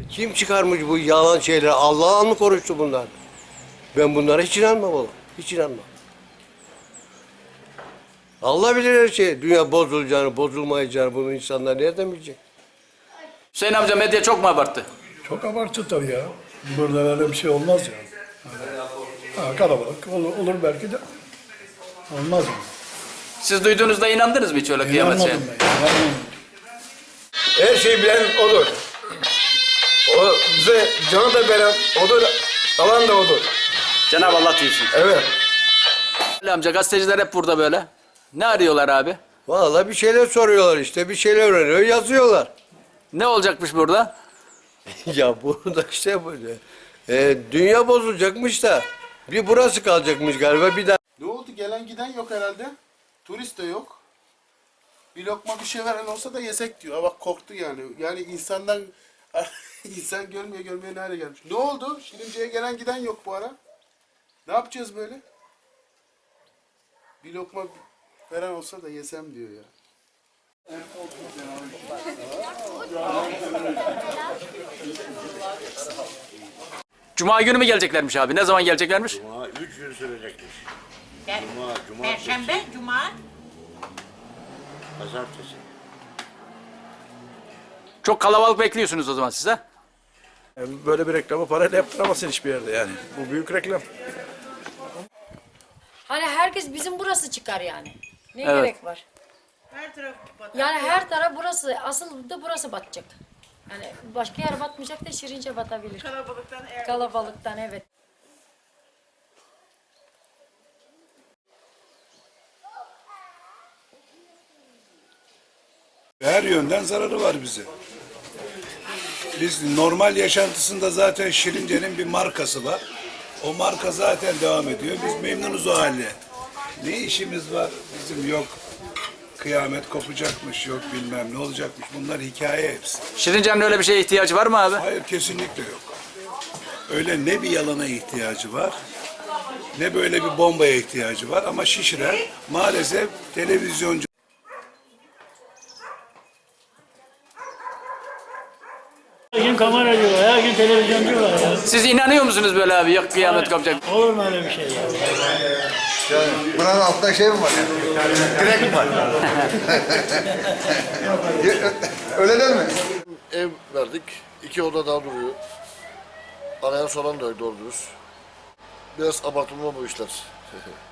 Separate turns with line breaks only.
Kim çıkarmış bu yalan şeyleri? Allah'ın mı konuştu bunlar? Ben bunlara hiç inanmam oğlum. Hiç inanmam. Allah bilir her şeyi. Dünya bozulacağını, bozulmayacağını bunu insanlar nereden bilecek?
Hüseyin amca medya çok mu abarttı?
Çok abartı tabii ya. Burada öyle bir şey olmaz yani. Ha, kalabalık olur belki de. Olmaz mı?
Siz duyduğunuzda inandınız mı hiç öyle kıyamet şeye?
İnanmadım ben. İnanmadım.
Her şeyi bilen odur. O bize canı da veren odur, alan da odur.
Cenab-ı Allah diyorsun.
Evet.
Ali amca gazeteciler hep burada böyle. Ne arıyorlar abi?
Vallahi bir şeyler soruyorlar işte. Bir şeyler öğreniyor, yazıyorlar.
Ne olacakmış burada?
Ya burada işte böyle. Dünya bozulacakmış da. Bir burası kalacakmış galiba. Bir daha.
Ne oldu? Gelen giden yok herhalde. Turist de yok. Bir lokma bir şey veren olsa da yesek diyor. Ha bak korktu yani. Yani insandan insan görmüyor nereye gelmiş. Ne oldu? Şirince'ye gelen giden yok bu ara. Ne yapacağız böyle? Bir lokma veren olsa da yesem diyor ya.
Cuma günü mü geleceklermiş abi? Ne zaman geleceklermiş?
Cuma 3 gün sürecekmiş.
Perşembe, Cuma.
Pazartesi.
Çok kalabalık bekliyorsunuz o zaman siz ha?
Böyle bir reklamı parayla yaptıramazsın hiçbir yerde yani. Bu büyük reklam.
Hani herkes bizim burası çıkar yani. Ne
Evet.
gerek var?
Her taraf batar.
Yani her taraf burası, asıl da burası batacak. Yani başka yer batmayacak da Şirince batabilir.
Kalabalıktan
Kalabalıktan evet.
Her yönden zararı var bize. Biz normal yaşantısında zaten Şirince'nin bir markası var. O marka zaten devam ediyor. Biz memnunuz o haline. Ne işimiz var? Bizim yok. Kıyamet kopacakmış, yok bilmem ne olacakmış. Bunlar hikaye hepsi.
Şirince'nin öyle bir şeye ihtiyacı var mı abi?
Hayır kesinlikle yok. Öyle ne bir yalana ihtiyacı var, ne böyle bir bombaya ihtiyacı var ama şişiren maalesef televizyoncu.
Her gün kamera diyorlar, her gün televizyon diyorlar ya.
Siz inanıyor musunuz böyle abi? Yok kıyamet kopacak.
Olur mu öyle bir şey ya?
Buranın altında şey mi var yani? Direk mi var? Öyle değil mi?
Ev verdik. 2 oda daha duruyor. Arayan soran da doğru dürüst. Biraz abartılma bu işler.